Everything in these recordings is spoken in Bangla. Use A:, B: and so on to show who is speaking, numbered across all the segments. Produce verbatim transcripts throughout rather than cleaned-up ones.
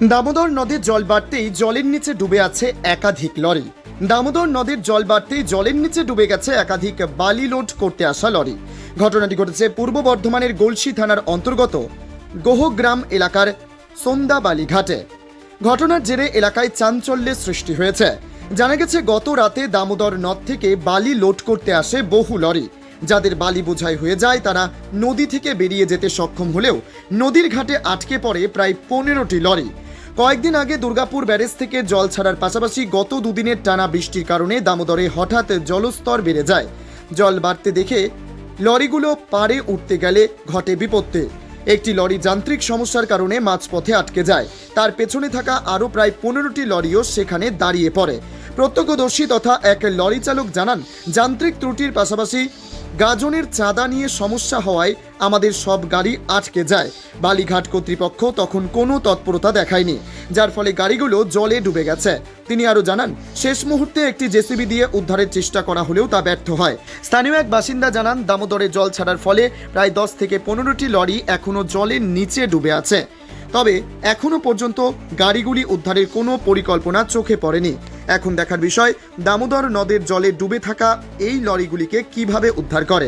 A: দামোদর নদীর জল বাড়তেই জলের নিচে ডুবে আছে একাধিক লরি। দামোদর নদীর জল বাড়তেই জলের নিচে ডুবে গেছে একাধিক বালি লোড করতে আসা লরি। ঘটনাটি ঘটেছে পূর্ব বর্ধমানের গলসি থানার অন্তর্গত গোহগ্রাম এলাকার সন্দাবালি ঘাটে। ঘটনার জেরে এলাকায় চাঞ্চল্যের সৃষ্টি হয়েছে। জানা গেছে গত রাতে দামোদর নদ থেকে বালি লোড করতে আসে বহু লরি। যাদের বালি বোঝাই হয়ে যায় তারা নদী থেকে বেরিয়ে যেতে সক্ষম হলেও নদীর ঘাটে আটকে পড়ে প্রায় পনেরোটি লরি। কয়েকদিন আগে দুর্গাপুর ব্যারেজ থেকে জল ছাড়ার পাশাপাশি গত দুদিনের টানা বৃষ্টির কারণে দামোদরে হঠাৎ জলস্তর বেড়ে যায়। জল বাড়তে দেখে লরিগুলো পাড়ে উঠতে গেলে ঘটে বিপত্তি। একটি লরি যান্ত্রিক সমস্যার কারণে মাঝপথে আটকে যায়। তার পেছনে থাকা আরও প্রায় পনেরোটি লরিও সেখানে দাঁড়িয়ে পড়ে। প্রত্যক্ষদর্শী তথা এক লরি চালক জানান, যান্ত্রিক ত্রুটির পাশাপাশি গাজনের চাঁদা নিয়ে সমস্যা হওয়ায় আমাদের সব গাড়ি আটকে যায়। বালিঘাট কর্তৃপক্ষ তখন কোনো তৎপরতা দেখায়নি, যার ফলে গাড়িগুলো জলে ডুবে গেছে। তিনি আরও জানান, শেষ মুহূর্তে একটি জেসিবি দিয়ে উদ্ধারের চেষ্টা করা হলেও তা ব্যর্থ হয়। স্থানীয় এক বাসিন্দা জানান, দামোদরে জল ছাড়ার ফলে প্রায় দশ থেকে পনেরোটি লরি এখনও জলের নিচে ডুবে আছে। তবে এখনও পর্যন্ত গাড়িগুলি উদ্ধারের কোনো পরিকল্পনা চোখে পড়েনি। এখন দেখার বিষয় দামোদর নদের জলে ডুবে থাকা এই লরিগুলিকে কিভাবে উদ্ধার করে।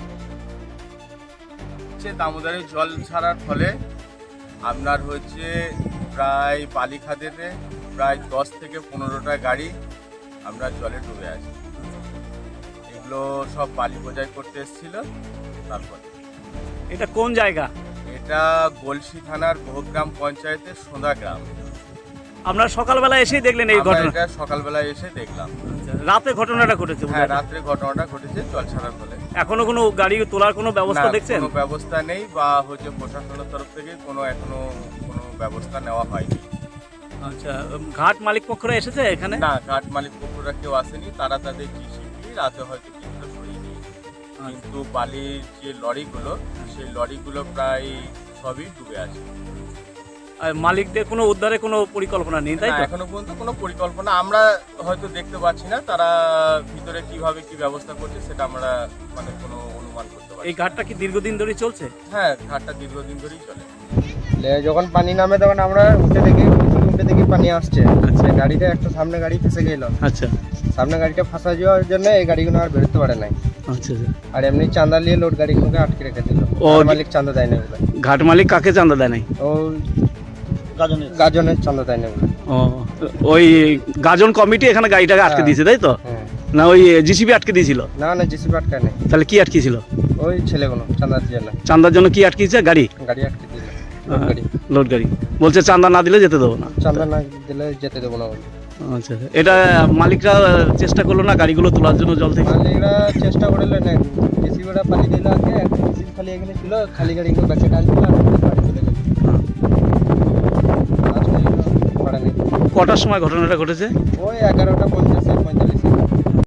B: দামোদরে জল ছাড়ার ফলে আপনার হচ্ছে প্রায় বালিখাদেতে প্রায় দশ থেকে পনেরোটা গাড়ি আমরা জলে ডুবে আছি। এগুলো সব বালি বোঝাই করতে এসেছিল। তারপরে
C: এটা কোন জায়গা?
B: এটা গলসি থানার গোহগ্রাম পঞ্চায়েতের সোঁদা গ্রাম।
C: আপনারা সকালবেলা এসেই দেখলেন এই
B: আমরা
C: ঘটনা?
B: এটা সকালবেলায় এসে দেখলাম।
C: রাতে ঘটনাটা ঘটেছে?
B: হ্যাঁ, রাত্রে ঘটনাটা ঘটেছে জল ছাড়ার ফলে।
C: এখনো কোনো গাড়ি তোলার কোনো ব্যবস্থা
B: না,
C: দেখছেন?
B: কোনো ব্যবস্থা নেই বা হচ্ছে প্রশাসনের তরফ থেকে কোনো এখনো কোনো ব্যবস্থা নেওয়া হয়নি।
C: আচ্ছা, ঘাট মালিক পক্ষরা এসেছে এখানে?
B: না, ঘাট মালিক পক্ষরা কেউ আসেনি। তারা তাদের জিসিপি রাতে হয়তো কিছুটা সরিয়ে নিয়েছে, কিন্তু বালির যে লরিগুলো সেই লরিগুলো প্রায় সবই ডুবে আছে।
C: আর মালিকদের কোনো উদ্ধারে কোনো পরিকল্পনা নেই, তাই
B: না,
C: তো?
B: এখনো পর্যন্ত কোনো পরিকল্পনা আমরা হয়তো দেখতে পাচ্ছি না। তারা ভিতরে কিভাবে কি ব্যবস্থা করছে সেটা আমরা মানে কোনো অনুমান করতে পারছি
C: এই
B: না।
C: ঘাটটা কি দীর্ঘদিন ধরে চলছে?
B: হ্যাঁ, ঘাটটা দীর্ঘদিন ধরেই চলে।
D: যখন পানি নামে তখন আমরা উঠে দেখি উঠে দেখি পানি আসছে। আচ্ছা, গাড়িটা একটা সামনে গাড়ি ফেসে গেল।
C: আচ্ছা,
D: সামনে গাড়িটা ফাঁসা যাওয়ার জন্য এই গাড়িগুলো আর বেরোতে পারে নাই।
C: আচ্ছা।
D: আর এমনি চাঁদা নিয়ে লোড গাড়িগুলোকে আটকে রেখে দিল।
C: ও,
D: মালিক চাঁদা দেয় না বলে।
C: ঘাট মালিক কাকে চাঁদা দেয় নাই?
D: ও গাজনের গাজনের চাঁদা দেয় না বলে।
C: ও, ওই গাজন কমিটি এখানে গাড়িটাকে আটকে দিয়েছে, তাই তো?
D: হ্যাঁ।
C: না, ওই জিসিবি আটকে দিয়েছিল?
D: না না, জিসিপি আটকায় নেই।
C: তাহলে কি আটকেছিল?
D: ওই ছেলেগুলো চাঁদার জন্য।
C: চাঁদার জন্য কি আটকেছে? গাড়ি
D: গাড়ি আটকে দিল, লোড গাড়ি।
C: লোড গাড়ি বলছে চাঁদা না দিলে যেতে দেবো না।
D: চাঁদা না দিলে যেতে দেবো না বলে।
C: আচ্ছা, এটা মালিকরা চেষ্টা করলো না গাড়িগুলো তোলার জন্য জল থেকে?
D: মালিকরা চেষ্টা করলো না, জিসিপিটা পানি দিল আগে, একটা জিসিপি খালি এখানে ছিল, খালি গাড়িগুলো ব্যাকে টানছিল আর বাড়ি চলে গেল।
C: কটার সময় ঘটনাটা ঘটেছে?
D: ওই এগারোটা পঞ্চাশ পঁয়তাল্লিশ।